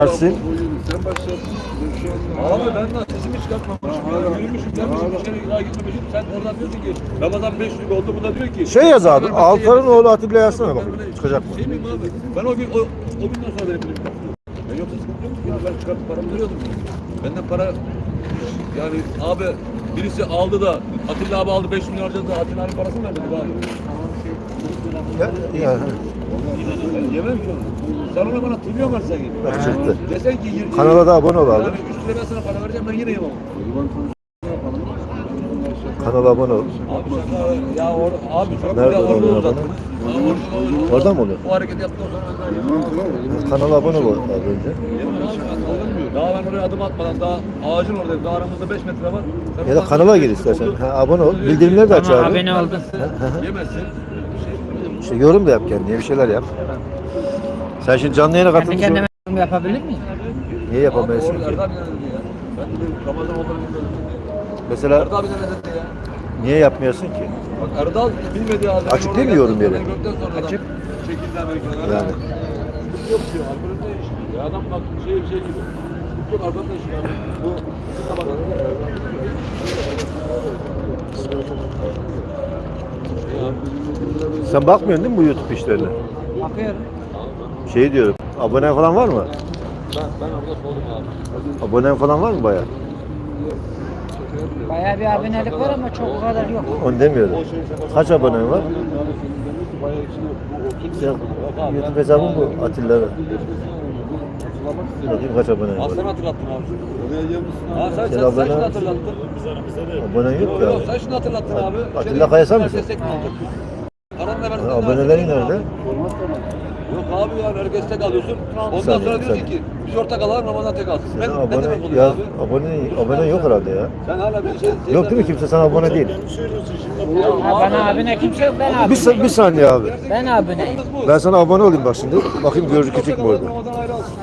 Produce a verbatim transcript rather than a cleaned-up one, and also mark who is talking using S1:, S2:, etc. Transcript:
S1: Dersin.
S2: Sen başladın.
S3: Abi ben daha sesimi çıkartmamışım. Ya. Yürümüşüm, gelmişim, bir kere daha gitmemişim. Sen oradan diyorsun ki Ramazan beş gün oldu. Bu da diyor ki
S1: Şey yaz abi. Altar'ın oğlu Atilla yazsana bakayım. Çıkacak mı?
S3: Şey miyim abi? Ben o gün o, o günden sonra benim bilim yaptım. Ben yoksa sıkıntı yok ya. Ben çıkartıp paramı veriyordum. Benden para yani abi birisi aldı da Atilla abi aldı beş milyon harcadı da Atilla abi parasını vermedi abi.
S1: Ya, ya.
S3: Ben yemem ki onu. Sen ona bana trilyon versen gibi.
S1: Bak çıktı.
S3: Desen ki yirmi
S1: Kanala da abone ol abi.
S3: yani üç lira ben sana para vereceğim ben yine yemem.
S1: Kanala abone ol.
S3: Abi şaka ya or, abi çok
S1: Nerede
S3: güzel orada
S1: oluyor
S3: olacaktı.
S1: abone?
S3: Abi orada olur.
S1: Orada mı oluyor?
S3: O hareket yaptıktan sonra ben de
S1: Kanala abone ol abi önce.
S3: Yemem abi, alınmıyor. Daha ben oraya adım atmadan daha ağacın oradayım. Daha aramızda beş metre var. Sen
S1: Ya da
S3: oradan
S1: kanala gir
S3: bir
S1: istersen.
S3: oldu.
S1: Ha, abone ol. Bildirimleri de aç
S4: Tamam,
S1: abi.
S4: abone oldum.
S3: Yemezsin.
S1: İşte yorum da yap kendine. Bir şeyler yap. Sen şimdi canlı yayına
S4: Kendi
S1: katılmışsın.
S4: kendime yorum yapabilir miyim?
S1: Niye
S3: Abi
S1: yapamayasın
S3: orada
S1: ki?
S3: Erdal abi ne dedi ya? Ben dedim Ramazan olduğunu bilmiyordum.
S1: Mesela
S3: Erdal abi ne dedi ya?
S1: niye yapmıyorsun ki?
S3: Bak Erdal bilmediği halde.
S1: Açık değil mi yorum yeri?
S3: Açık. Çekildi Amerika'dan.
S1: Yani.
S3: Yok diyor. Alkolünde iş. Ya adam bak şey şey gibi. Yok arkadaş ya. Bu bizim tabaklarda
S1: Sen bakmıyorsun değil mi bu YouTube işlerine?
S4: Bakıyorum.
S1: Şey diyorum. Abone falan var mı?
S3: Ben, ben orada sordum abi.
S1: Abonen falan var mı bayağı?
S4: Bayağı bir abonelik var ama çok o kadar yok.
S1: Onu demiyorum. Kaç abonen var? Sen YouTube hesabın bu Atilla'da. Bakayım kaç abonen var.
S3: Aslan hatırlattın abi.
S2: Oraya gelmişsin.
S3: Ha sen,
S1: Sen
S3: sen,
S1: abone-
S3: sen şunu hatırlattın.
S1: Abonen yok
S3: Yok
S1: ya.
S3: yok sen şunu hatırlattın abi.
S1: Atilla
S3: Şeyde
S1: Kayasal
S3: gittik,
S1: mısın?
S3: destek mi aldık? Paranla versin.
S1: Ha, abonelerin nerede?
S3: Yok abi ya herkes tek alıyorsun. Ondan
S1: saniye,
S3: sonra
S1: bir
S3: diyorsun
S1: saniye.
S3: ki biz ortak alalım Ramazan tek alsın. Ben,
S1: Sen
S3: ne demek
S1: abone
S3: oluyor
S1: yaz.
S3: abi?
S1: Abone, abone yok herhalde ya.
S3: Sen hala bir şey...
S1: Yok değil mi? Kimse sana abone değil.
S4: Ha, bana abone kimse yok, ben
S1: Bir,
S4: abone.
S1: sa- bir saniye abi.
S4: Ben aboneyim.
S1: Ben sana abone olayım bak şimdi. Bakayım gözü küçük mü orada?
S3: Ramazan ayrı alsın.